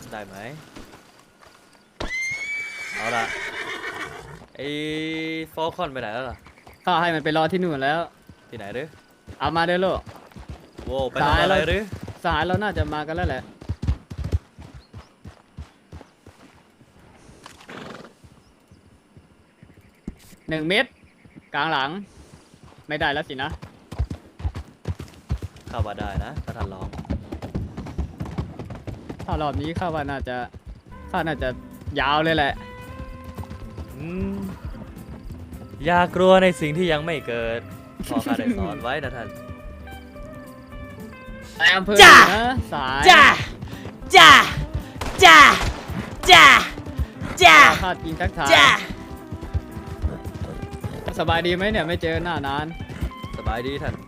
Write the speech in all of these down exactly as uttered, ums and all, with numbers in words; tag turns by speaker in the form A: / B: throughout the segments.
A: ได้ไหมเอาละไอ้ฟอลคอนไปไหนแล้วล่ะ
B: ข้าให้มันไปรอที่นู่นแล้ว
A: ที่ไหนหรือ
B: เอามาเด้อลูก
A: โว้ไปทำอะไรหรือ
B: สหายเราน่าจะมากันแล้วแหละหนึ่งเม็ดกลางหลังไม่ได้แล้วสินะ
A: ข้าว่าได้นะถ้าท่านลอง
B: ถ้ารอบนี้ข้าว่าน่าจะข้าน่าจะยาวเลยแหละ
A: อืมอย่ากลัวในสิ่งที่ยังไม่เกิดพ่อข้าได้สอนไว้นะท่าน
B: นายอำเภอนะสาย
C: จ้าจ้าจ้าจ้าจ้า
B: ข้าจริงทักทาย
C: จ้า
B: สบายดีไหมเนี่ยไม่เจอหน้านาน
A: สบายดีท่าน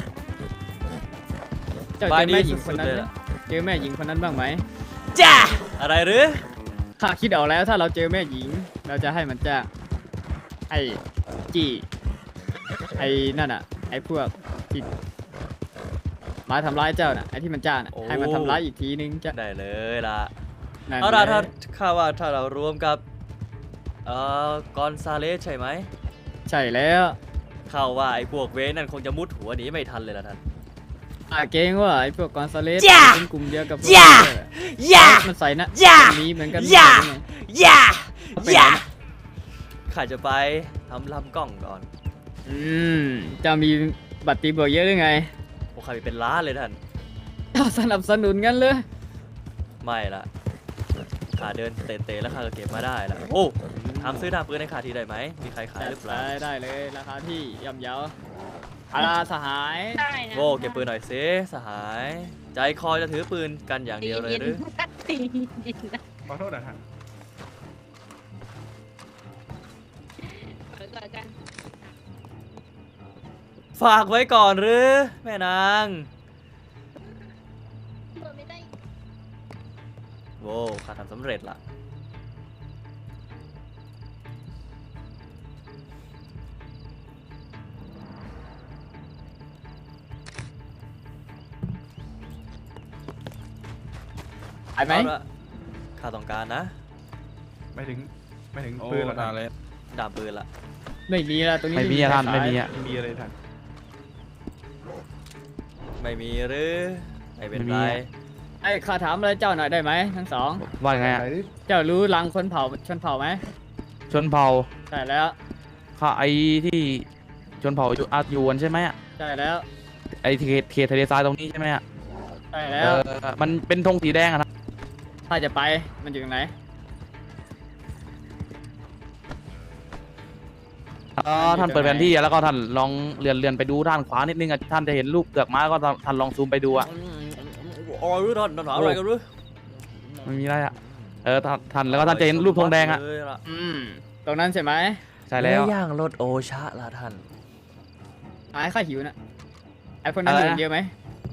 B: เจอแม่หญิงคนนั้นเจอแม่หญิงคนนั้นบ้างไหม
C: จ้า
A: อะไรหรือ
B: ข้าคิดออกแล้วถ้าเราเจอแม่หญิงเราจะให้มันจ้างไอ้จีไอ้นั่นอ่ะไอ้พวกที่มาทำร้ายเจ้าน่ะไอ้ที่มันจ้างน่ะให้มันทำร้ายอีกทีนึงจะ
A: ได้เลยล่ะเอาล่ะถ้าข้าว่าถ้าเรารวมกับเอ่อกอนซาเลสใช่ไหม
B: ใช่แล้ว
A: ข้าว่าไอ้พวกเวนั่นคงจะมุดหัวหนีไม่ทันเลยล่ะท่าน
B: อ่าเก่งว่าไอ้พวกกอนซาเลสเป็นกลุ่มเดียวกับ
C: ย่าย่า
B: มันใส่นะ
C: ย่า
B: นี้เหมือนกัน
C: ย่าย่าย่า
A: ข้าจะไปทำลำกล้องก่อน
B: อืมจะมีบัตรตีบวกเยอะหรือไง
A: พวกข้ามีเป็นล้านเลยท่าน
B: สนับสนุนกันเลย
A: ไม่ละข้าเดินเตะๆแล้วข้าก็เก็บมาได้ละโอ้ทำซื้อดาบปืนในขาทีได้ไหมมีใครขายหรือเปล่า
B: ได้ได้เลยราคาที่ย่ำเยาอาราสหาย
A: โว้เก็บปืนหน่อยซิสหายใจคอจะถือปืนกันอย่างเดียวเลยหรือ
D: ขอโทษนะฮะ
A: ฝากไว้ก่อนหรือแม่นางโว้ข้าทำสำเร็จละ
B: ไอ้ไหม
A: ข้าต้องการนะ
D: ไม่ถึงไม่ถึงปืนหรอกอะไร
A: ดาบปืนละ
B: ไม่มีละตรงนี้
E: ไม่มีท่านไม่มีอ่ะ
D: ไม่มีอะไรท่าน
A: ไม่มีหรือไม่เป็นไร
B: ไอ้ข้าถามอะไรเจ้าหน่อยได้ไหมทั้งสอง
E: ว่าไงอ่ะ
B: เจ้ารู้รังคนเผ่าชนเผ่าไหม
E: ชนเผ่า
B: ใช่แล้ว
E: ข้าไอ้ที่ชนเผ่าอยู่อาร์ยูนใช่ไหมอ่ะ
B: ใช่แล้ว
E: ไอ้เขตเขตทะเลทรายตรงนี้ใช่ไหมอ่ะ
B: ใช่แล้ว
E: มันเป็นธงสีแดงอะนะ
B: ถ้าจะไปมันอยู่ตรงไหน
E: ท่านเปิดแผนที่แล้วก็ท่านลองเลื่อนเลื่อนไปดูด้านขวานิดนึงอ่ะท่านจะเห็นรูปเปลือกม้าก็ท่านลองซูมไปดูอ่ะ
A: อ๋อรู้ท่านท่านหาอะไรกันรู้
E: ไม่มีอะไรอ่ะเออท่านแล้วก็ท่านจะเห็นรูปธงแดงอ่ะ
B: อืมตรงนั้นใช่ไหม
E: ใช่แล้ว
A: ย่างรถโอชะละท่าน
B: หายข้าหิวนะไอ้พวกนั้นอยู่เยอะไหม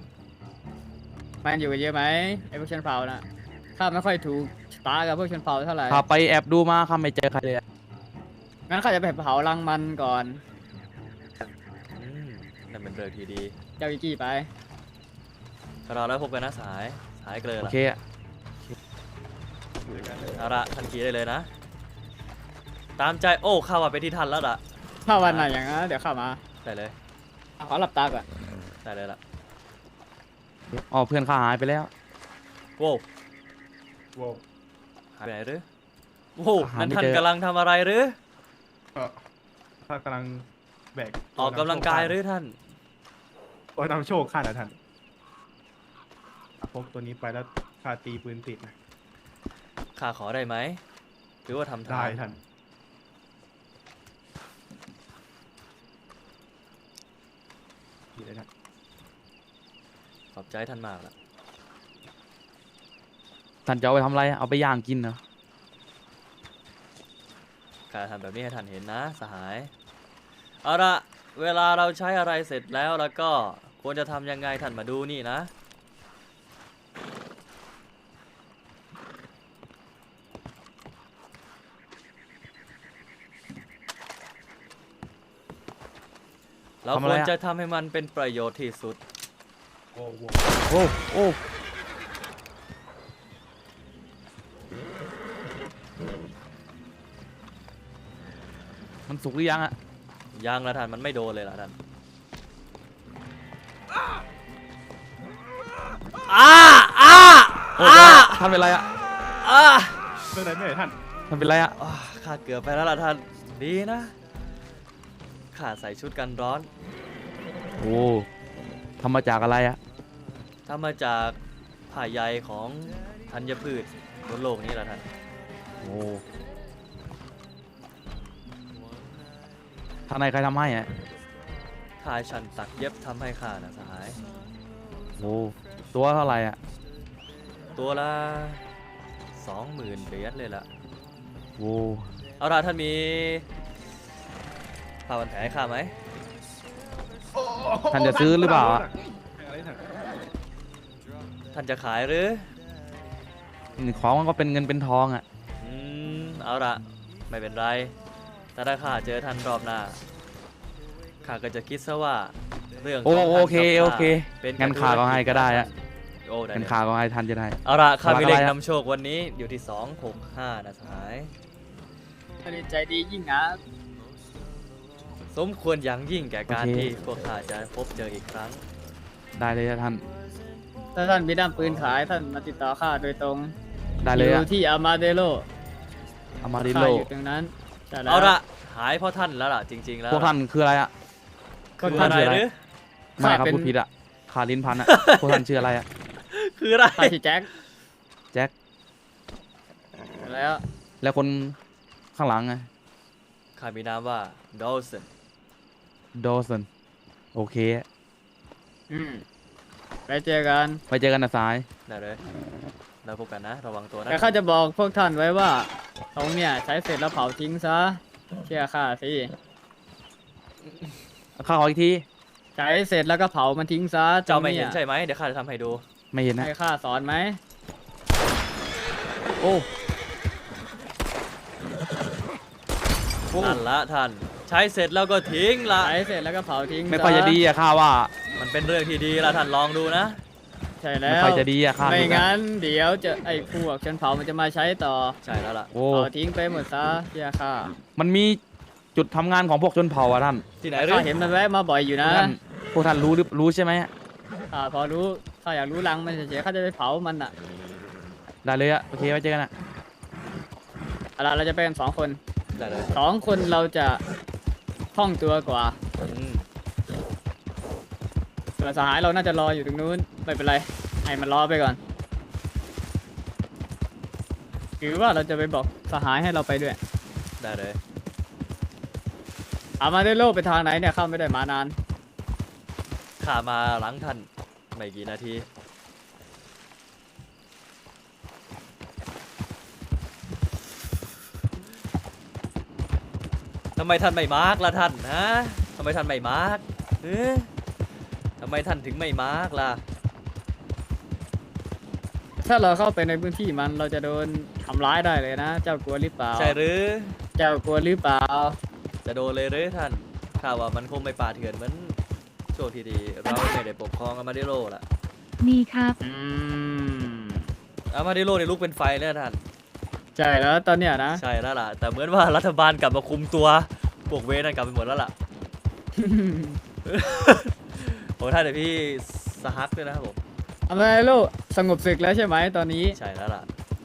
B: มันอยู่กันเยอะไหมไอ้พวกชนเผ่าน่ะข้าไม่ค่อยถูกตากับพวกชนเผ่าเท่าไหร่
E: ข้าไปแอบดูมาข้าไม่เจอใครเลย
B: งั้นข้าจะไปเผารังมันก่อน
A: นั่นเป็นเรื่องที่ดี
B: เจ้าวิกี้ไป
A: เราแล้วพบกันนะสายสายเกลือ
E: โอเค
A: เอาละทันทีได้เลยนะตามใจโอ้ข้าว่าไปที่ทันแล้วล่ะ
B: ถ้าวันไหนอย่างนั้นเดี๋ยวข้ามา
A: ได้เลย
B: ขอหลับตาก่อน
A: ได้เลยล่ะ
E: อ๋อเพื่อนข้าหายไปแล้ว
A: โว้
D: โว้
A: หายไปไหนหรือโว้นั่นท่านกำลังทำอะไรหรือ
D: ถ้ากำลังแบก
A: ออกกำลังกายหรือท่าน
D: โอ้ยนำโชคข้านะท่านพกตัวนี้ไปแล้วข้าตีปืนติดนะ
A: ข้าขอได้ไหมหรือว่าทำ
D: ได้ท่านดีเลยนะ
A: ขอบใจท่านมากละ
E: ท่านจะเอาไปทำอะไรเอาไปย่างกินเหรอ
A: การทำแบบนี้ให้ท่านเห็นนะสหายเอาละเวลาเราใช้อะไรเสร็จแล้วแล้วก็ควรจะทำยังไงท่านมาดูนี่นะเราควรจะทำให้มันเป็นประโยชน์ที่สุด
D: โอ้โห
E: โอ้โอ้มันสุกหรือยังอะ
A: ยังละท่านมันไม่โดนเลยละท่าน
C: อ้าอ้า
E: โอ้
C: อ้า
E: ท่านเป็นไรอะ
C: อ้า
D: เรื่องไหนไม่ไหนท่าน
E: ท่านเป็นไรอะ
A: อ้าข้าเกือบไปแล้วล่ะท่านดีนะข้าใส่ชุดกันร้อน
E: โอ้ทำมาจากอะไรอะ
A: ทำมาจากผ้าใยของธัญพืชบนโลกนี้ละท่าน
E: โอ้ทางในใครทำให้อะ
A: ข้าชันตักเย็บทำให้ข้านะสหาย
E: โอ้ตัวเท่าไหร่อะ
A: ตัวละสองหมื่นเหรียญเลยล่ะ
E: โอ้
A: เอาล่ะท่านมีผ้าพันแผลให้ข้าไหม
E: ท่านจะซื้อหรือเปล่าอะ
D: อะไรท่าน
A: ท่านจะขายหรือ
E: ของมันก็เป็นเงินเป็นทองอะ
A: อืมเอาล่ะไม่เป็นไรแต่ถ้าข้าเจอท่านรอบหน้าข้าก็จะคิดซะว่าเรื่อง
E: โอ้
A: ของ
E: โอ
A: ท่าน
E: เค
A: กับ
E: โอ
A: ข้า
E: เค
A: เป็น
E: งั้นข้าก็ให้ก็ได้อะ
A: โอ้ได้
E: งั้น
A: เลย
E: ข้าก็ให้ท่านจะได้
A: เอาล่ะข้ามีเลข
E: อะไรอะ
A: นำโชควันนี้อยู่ที่สองหกห้านะสหาย
B: ใจดียิ่งนะ
A: สมควรอย่างยิ่งแก่การที่พวกข้าจะพบเจออีกครั้ง
E: ได้เลยอะท่าน
B: ถ้าท่านมีด้ามปืนขายท่านมาติดต่อข้าโดยตรง
E: ได้เลย
B: อ
E: อะ
B: ยู่ที่อามาเดโล
E: อามาดิ
B: ข้า
E: โล
B: อยู่ตรงนั้นใช่แล้ว
A: เอาละหายเพราะท่านแล้วล่ะจริง ๆ แล้ว
E: พวกท่านคืออะไรอะ
A: คือ
B: ท่าน
A: อะไรหรือ
E: ไม่ครับ
B: ข้าเป็น
E: พูดผิดอะขาลิ้นพันอะ พวกท่านชื่ออะไรอะ
A: คืออะไร
B: ข้าชื่อแจ็ค
E: แจ็ค
B: แล้ว
E: แล้วคนข้างหลังไง
A: ข้ามีนามว่าดอลสัน
E: โดสันโอเค
B: อืมไปเจอกัน
E: ไปเจอกันนะสาย
A: ได้เลยเราพบกันนะ ระวังตัวนะ
B: แต่ข้าจะบอกพวกท่านไว้ว่าตรงเนี่ยใช้เสร็จแล้วเผาทิ้งซะเชื่อข้าสิ
E: ข้าขออีกที
B: ใช้เสร็จแล้วก็เผามันทิ้งซะ
A: เจ้าไม่เห็น
B: ตรง
A: ใช่ไหมเดี๋ยวข้าจะทำให้ดู
E: ไม่เห็นนะ
B: ให้ข้าสอนไหม
E: โอ้
A: นั่นละท่าน ใช้เสร็จแล้วก็ทิ้งละ
B: ใช้เสร็จแล้วก็เผาทิ้ง
E: ไม่ค่อยจะดีอะข้าว่า
A: มันเป็นเรื่องที่ดีละท่านลองดูนะ
B: ใช่
E: ไม่
B: แล้ว
E: ค่อยจะดีอะข้า
B: ไม่
E: ดูนะ
B: งั้นเดี๋ยวจะไอ้พวกชนเผามันจะมาใช้ต่อ
A: ใช่แล้วล่ะ
E: โอ้
B: เผาทิ้งไปหมดซะเชื่อข้า
E: มันมีจุดทำงานของพวกชนเผ่าอะท่าน
A: ที่ไหนหรื
B: ข้า
A: อ
B: เห็นมันแวะมาบ่อยอยู่
E: พว
B: นะ
E: กท่านพวกท่านรู้หรือรู้ใช่ไหม
B: ข้าพอรู้ข้าอยากรู้รังมันเฉยๆข้าจะไปเผามันอ่ะ
E: ได้เลยอะโอเคไว้เจอกันอะ
B: เอาล่ะเราจะไปกันสองคน
A: ได้เลย
B: สองคนเราจะคล่องตัวกว่า
A: อืม
B: ส่วนสหายเราน่าจะรออยู่ตรงนู้นไม่เป็นไรให้มันรอไปก่อนหรือว่าเราจะไปบอกสหายให้เราไปด้วย
A: ได้เลย
B: อามาได้โลกไปทางไหนเนี่ยเข้าไม่ได้มานาน
A: ข้ามาหลังท่านไม่กี่นาที ทำไมท่านไม่มาร์กล่ะท่านฮะทำไมท่านไม่มาร์กเอ๊ะทำไมท่านถึงไม่มาร์กล่ะ
B: ถ้าเราเข้าไปในพื้นที่มันเราจะโดนทำร้ายได้เลยนะ เจ้ากลัวหรือเปล่า
A: ใช่หรือ
B: เจ้ากลัวหรือเปล่า
A: จะโดนเลยหรือท่านข้าว่ามันคงไม่ป่าเถื่อนเหมือนช่วงที่ดีเราไม่ได้ปกครองอามาดิโลล่ะ
F: มีครับ
B: อืม
A: อามาดิโลเนี่ยลุกเป็นไฟเนี่ยท่าน
B: ใช่แล้วตอนเนี้ยนะ
A: ใช่แล้วล่ะ แต่เหมือนว่ารัฐบาลกลับมาคุมตัวพวกเวรนั่นกลับไปหมดแล้วล่ะ โอ้ท่านเดี๋ยวพี่สหักด้วยนะครับผม
B: อามาได้โลกสงบศึกแล้วใช่ไหมตอนนี้
A: ใช่แล้วล่ะ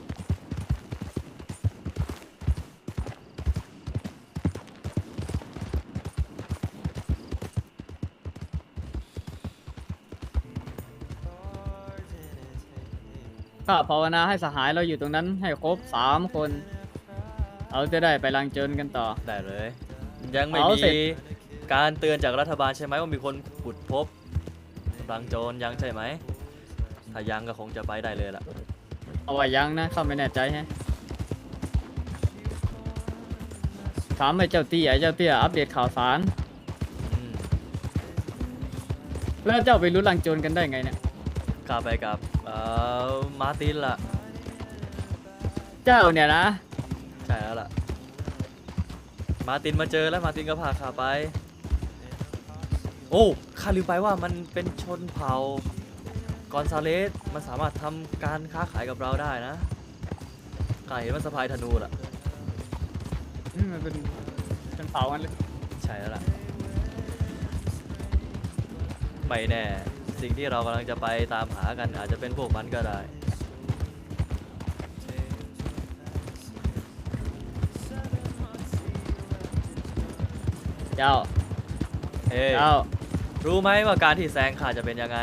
B: ข้าภาวนาให้สหายเราอยู่ตรงนั้นให้ครบสามคน เราจะได้ไปลังเจินกันต่อ
A: ได้เลย ยังไม่
B: เอา
A: มี
B: เสร็จ
A: การเตือนจากรัฐบาลใช่ไหมว่ามีคนขุดพบรังโจรยังใช่ไหมถ้ายังก็คงจะไปได้เลยล่ะ
B: เอาไว้ยังนะข้าไม่แน่ใจแฮะถามไอ้เจ้าเตี้ยไอ้เจ้าเตี้ยอัปเดตข่าวสาร
A: อืม
B: แล้วเจ้าไปรู้ลังโจรกันได้ไงเนี่ย
A: กลับไปกับเอ่อมาร์ตินล่ะ
B: เจ้าเนี่ยนะ
A: ใช่แล้วล่ะ มาร์ตินมาเจอแล้วมาร์ตินก็พาข้าไป โอ้ข้าลืมไปว่ามันเป็นชนเผ่ากอนซาเลสมันสามารถทำการค้าขายกับเราได้นะข้าเห็นมันสะพายธนูล่ะ
B: อืมมันเป็นชนเผามันเลย
A: ใช่แล้วล่ะ ไม่แน่ สิ่งที่เรากำลังจะไปตามหากันอาจจะเป็นพวกมันก็ได้
B: เจ้า
A: เฮ้ย
B: เจ้า
A: รู้ไหมว่าการที่แซงข้าจะเป็นยังไง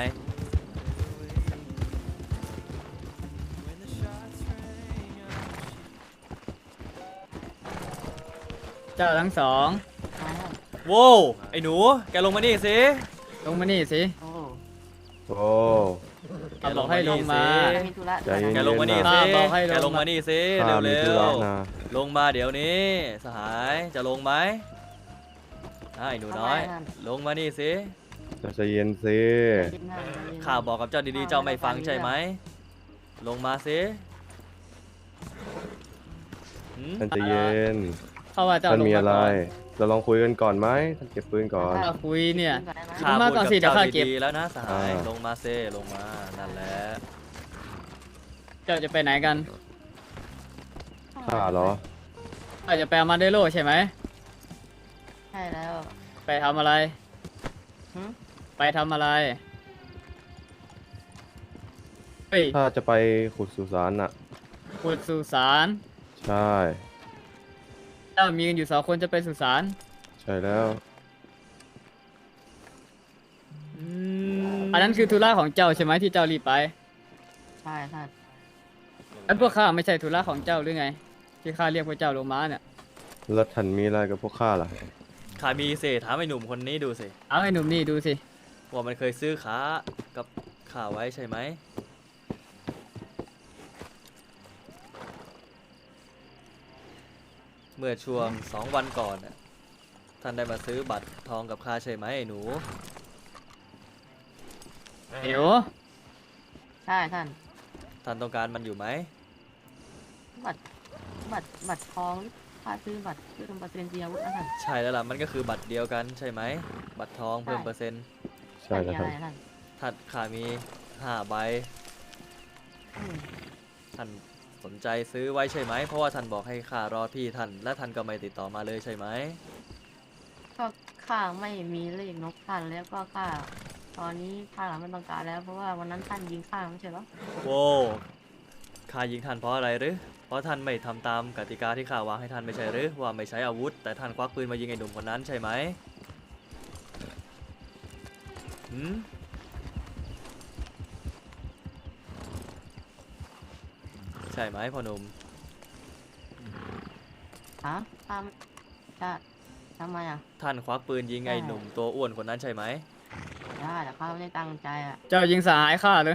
B: เจ้าทั้งสอง
A: โว้วไอ้หนู แกลงมานี่สิ
B: ลงมานี่สิ
F: โอ้
G: โอ้
A: แก
B: บอกให้ลงมา
F: จะมีธุระ
G: ใจ
F: ด้วย
G: เย็น
A: แกลงมานี่
B: ข้า
A: สิ
B: บอกให้ลง
A: แกลงมานี่สิ
G: ข้ามี
A: เร็
G: ธุ
A: ว
G: ระนะ
A: ๆ ลงมาเดี๋ยวนี้ สหาย จะลงไหมอ่ะไอ้หนูน้อย ลงมานี่สิ
G: จะใจเย็นสิ
A: ข้าบอกกับเจ้าดีๆ เจ้าไม่ฟังใช่ไหม ลงมาสิหืม
G: ท่านใจเย็น
B: เขาว่าเจ้า
G: ท่าน
B: ลง
G: มี
B: มา
G: อะไร
B: ก่อน
G: เราลองคุยกันก่อนไหมท่านเก็บปืนก่อน
B: ถ้าคุยเนี่ย
A: ข้า
B: ลงมา
A: พูด
B: ก่อน
A: กับ
B: สิเดี๋ยว
A: เจ้า
B: ข้าเก็บ
A: ดีๆแล้วนะสหาย
G: อ่า
A: ลงมาเซลงมา นั่นแหละ
B: เจ้าจะไปไหนกัน
G: ข้าเหรอ
B: เจ้าจะไปอามาเดโลใช่ไหม
F: ใช่แล้ว
B: ไปทำอะไร
F: หึ
B: ไปทำอะไรเฮ้ย
G: ถ้าจะไปขุดสุสานน่ะ
B: ขุดสุสาน
G: ใช่
B: เจ้ามีกันอยู่สองคนจะไปสุสาน
G: ใช่แล้ว
B: อันนั้นคือธุระของเจ้าใช่ไหมที่เจ้ารีบไป
F: ใช่ท่าน
B: อันพวกข้าไม่ใช่ธุระของเจ้าหรือไง ที่ข้าเรียกพวกเจ้าลงมาเนี่ย
G: แล้วท่านมีอะไรกับพวกข้าล่ะ
A: ข้ามีเศษถามไอ้หนุ่มคนนี้ดูสิ
B: เอาไอ้หนุ่มนี่ดูสิ
A: ว่ามันเคยซื้อขากับข้าไว้ใช่ไหม เมื่อช่วงสองวันก่อนน่ะท่านได้มาซื้อบัตรทองกับข้าใช่ไหมไอ้หนู
B: เดี๋ยว
F: ใช่ท่าน
A: ท่านต้องการมันอยู่ไหม
F: บัตรบัตรบัตรทองค่าซื้อบัตรซื้อเปอร์เซ็นต์เดียวนะท่าน
A: ใช่แล้วล่ะ มันก็คือบัตรเดียวกันใช่ไหม บัตรทองเพิ่ม
F: ใช่
A: เปอร์เซ็นต์
G: ใช่แล้ว
F: มี
G: ท่า
F: อะ
G: น
F: ไรท่าน
A: ท่านข้ามีห้าใบ
F: อืม
A: ท่านสนใจซื้อไว้ใช่ไหม เพราะว่าท่านบอกให้ข้ารอพี่ท่าน และท่านก็ไม่ติดต่อมาเลยใช่ไหม
F: ก็ข้าไม่มีเลขนกท่านแล้วก็ข้าตอนนี้ข้าไม่ต้องการแล้ว เพราะว่าวันนั้นท่านยิงข้าไม่ใช่เหรอ
A: โว้ข้ายิงท่านเพราะอะไรหรือ เพราะท่านไม่ทำตามกติกาที่ข้าวางให้ท่านไม่ใช่หรือ ว่าไม่ใช้อาวุธ แต่ท่านควักปืนมายิงไอ้หนุ่มคนนั้นใช่ไหมหืมใช่ไหมพ่อหนุ่ม
F: ฮะทำจะทำไมอ่ะ
A: ท่านควักปืนยิงไอ้หนุ่มตัวอ้วนคนนั้นใช่ไหม
F: ได้แต่ข้าไม่ได้ตั้งใจอ่ะ
B: เจ้ายิงสหายข้าเลย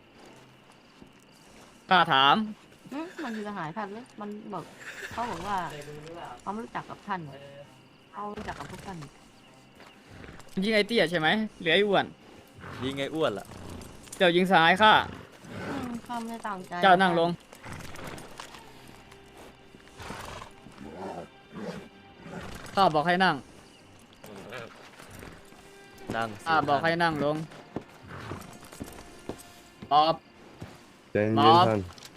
B: ข้าถาม
F: หึมันคือทหารท่านเลยมันบอกเขาบอกว่าเขาไม่รู้จักกับท่านเขารู้จักกับพวกท่าน
B: ยิงไอ้เตี้ยใช่ไหมเหลือไอ้อ้วน
A: ยิงไอ้อ้วนล่ะ
B: เจ้ายิงสหายข้า
F: อืมข้าไม่ได้ตั้งใจ
B: เจ้านั่งลง ข้าบอกให้นั่ง
A: นั่งสิ
B: ข้าบอกให้
A: ท่าน
B: นั่งลงตอบ
G: ใจเย็น
B: บ๊อบ
G: ท่าน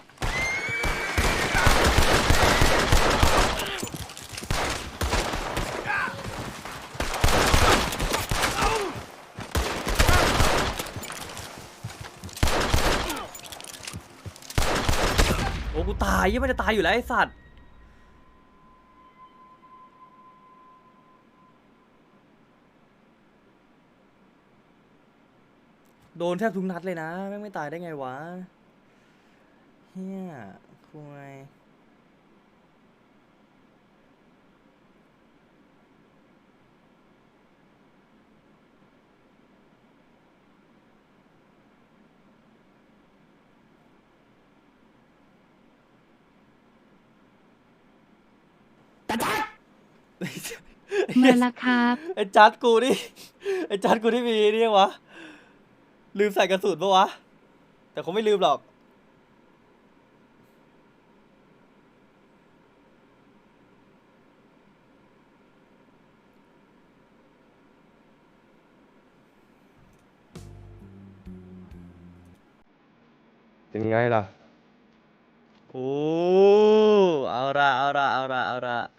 A: โอ้กูตายยังไม่ได้ตายอยู่แล้วไอ้สัตว์ โดนแทบทุกนัดเลยนะแม่งไม่ตายได้ไงวะเฮียคุย
H: มาละครับ
A: ไอ้จัดกูนี่ไอ้จัดกูที่มีนี่ยังวะ ลืมใส่กระสุนปะวะ แต่คงไม่ลืมหรอก
G: เป็นไงล่ะ
A: โอ้ เอาละเอาละเอาละเอาละ